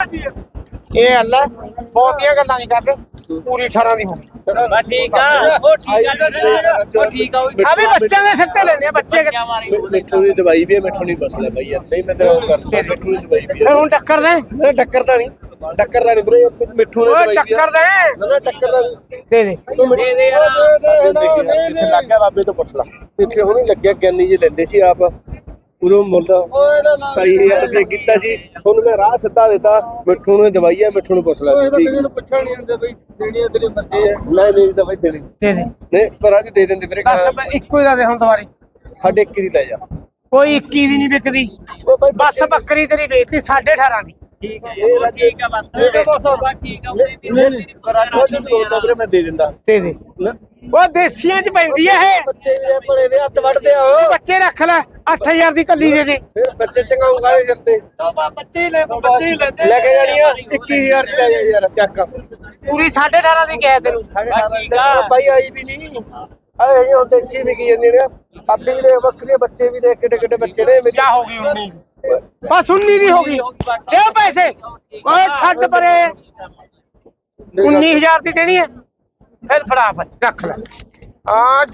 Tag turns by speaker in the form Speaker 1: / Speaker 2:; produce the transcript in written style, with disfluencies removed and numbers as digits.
Speaker 1: ਇਹ ਅੱਲਾ ਬਹੁਤੀਆਂ ਗੱਲਾਂ ਨਹੀਂ ਕਰਦੇ ਪੂਰੀ 18 ਦੀ ਹੋਣੀ
Speaker 2: ਬਸ ਠੀਕ ਆ ਉਹ ਠੀਕ ਆ ਉਹ ਠੀਕ ਆ
Speaker 1: ਆ ਵੀ ਬੱਚਿਆਂ ਦੇ ਸਿਰ ਤੇ ਲੈਣੇ ਆ ਬੱਚੇ
Speaker 3: ਮਿੱਠੂ ਦੀ ਦਵਾਈ ਵੀ ਹੈ ਮਿੱਠੂ ਨਹੀਂ ਬਸਲਾ ਬਾਈ ਯਾਰ ਨਹੀਂ ਮੈਂ ਤੇਰਾ ਉਹ ਕਰਦਾ ਮਿੱਠੂ ਦੀ ਦਵਾਈ ਵੀ
Speaker 1: ਫਿਰ ਹੁਣ ਟੱਕਰ ਦੇ
Speaker 3: ਮੇਰੇ ਟੱਕਰਦਾ ਨਹੀਂ ਵੀਰੇ ਯਾਰ ਤੂੰ ਮਿੱਠੂ ਨੇ
Speaker 1: ਓਏ
Speaker 3: ਦਵਾਈ ਵੀ
Speaker 1: ਟੱਕਰ ਦੇ
Speaker 3: ਮੇਰੇ ਟੱਕਰਦਾ ਨਹੀਂ
Speaker 1: ਦੇ ਦੇ
Speaker 3: ਤੂੰ ਦੇ ਦੇ ਇੱਥੇ ਲੱਗ ਗਿਆ ਬਾਬੇ ਤੋਂ ਪੁੱਛ ਲਾ ਇੱਥੇ ਹੁਣੇ ਲੱਗਿਆ ਗਿਆਨੀ ਜੀ ਲੈਂਦੇ ਸੀ ਆਪ ਉਦੋਂ ਮੁੱਲ 27000 ਰੁਪਏ ਕੀਤਾ ਸੀ ਹੁਣ ਮੈਂ ਰਾਹ ਸਿੱਧਾ ਦਿੱਤਾ ਮਿੱਠੂ ਨੂੰ ਦਵਾਈ ਹੈ ਮਿੱਠੂ ਨੂੰ ਪੁੱਛ ਲੈ
Speaker 4: ਪੁੱਛਣ ਨਹੀਂ ਆਉਂਦੇ ਬਈ ਦੇਣੀ ਤੇਰੀ ਮਰਜ਼ੀ ਹੈ
Speaker 3: ਨਹੀਂ ਨਹੀਂ ਦਵਾਈ ਦੇਣੀ
Speaker 1: ਦੇ ਦੇ
Speaker 3: ਨਹੀਂ ਪਰ ਅੱਜ ਦੇ ਦਿੰਦੇ ਵੀਰੇ
Speaker 1: ਬਸ ਇੱਕੋ ਹੀ ਦਾ ਦੇ ਹੁਣ ਦੁਬਾਰੇ
Speaker 3: ਸਾਡੇ 21 ਦੀ ਲੈ ਜਾ
Speaker 1: ਕੋਈ 21 ਦੀ ਨਹੀਂ ਵਿਕਦੀ
Speaker 3: ਉਹ ਬਾਈ
Speaker 1: ਬਸ ਬੱਕਰੀ ਤੇਰੀ ਵੇਚਤੀ 18.5 ਦੀ
Speaker 2: ਠੀਕ ਹੈ ਉਹ ਠੀਕ ਆ ਬਸ ਬਸ ਠੀਕ ਆ ਉਹਦੀ ਵੀ
Speaker 3: ਪਰ ਅੱਜ ਉਹ ਤੋੜਦਾ ਵੀਰੇ ਮੈਂ ਦੇ ਦਿੰਦਾ
Speaker 1: ਦੇ ਦੇ
Speaker 3: ਨਾ
Speaker 1: ਉਹ ਦੇਸੀਆਂ ਚ ਪੈਂਦੀ ਐ ਇਹ
Speaker 3: ਬੱਚੇ ਵੀ ਭਲੇ ਵੇ ਹੱਥ ਵੱਢਦੇ ਆ ਉਹ
Speaker 1: ਬੱਚੇ ਰੱਖ ਲੈ 8000 ਦੀ ਕੱਲੀ ਦੇ ਦੇ
Speaker 3: ਫਿਰ ਬੱਚੇ ਚੰਗਾਉਂਗਾ ਦੇ ਸਿਰ ਤੇ
Speaker 2: ਬੱਚੇ ਹੀ ਲੈ
Speaker 3: ਲੈ ਕੇ ਜਾਣੀ ਆ 21000 ਦੀ ਲੈ ਜਾ ਯਾਰ ਚੱਕ
Speaker 1: ਪੂਰੀ 18.5 ਦੀ ਕਿਹਾ ਤੈਨੂੰ
Speaker 3: 18.5 ਬਾਈ ਆਈ ਵੀ ਨਹੀਂ ਆਏ ਇਹ ਹੁੰਦੇ ਸੀ ਵੀ ਕੀ ਜਾਂਦੇ ਨੇ ਅੱਧੀ ਵੀ ਦੇ ਬੱਕਰੀਆਂ ਬੱਚੇ ਵੀ ਦੇ ਕਿੱਡੇ ਕਿੱਡੇ ਬੱਚੇ ਨੇ
Speaker 1: ਕੀ ਹੋ ਗਈ 19 ਬਸ 19 ਦੀ ਹੋ ਗਈ ਦੇ ਪੈਸੇ ਓਏ ਛੱਡ ਪਰੇ 19000 ਦੀ ਦੇਣੀ ਹੈ ਫਿਰ ਫੜਾ ਰੱਖ ਲੈ ਆ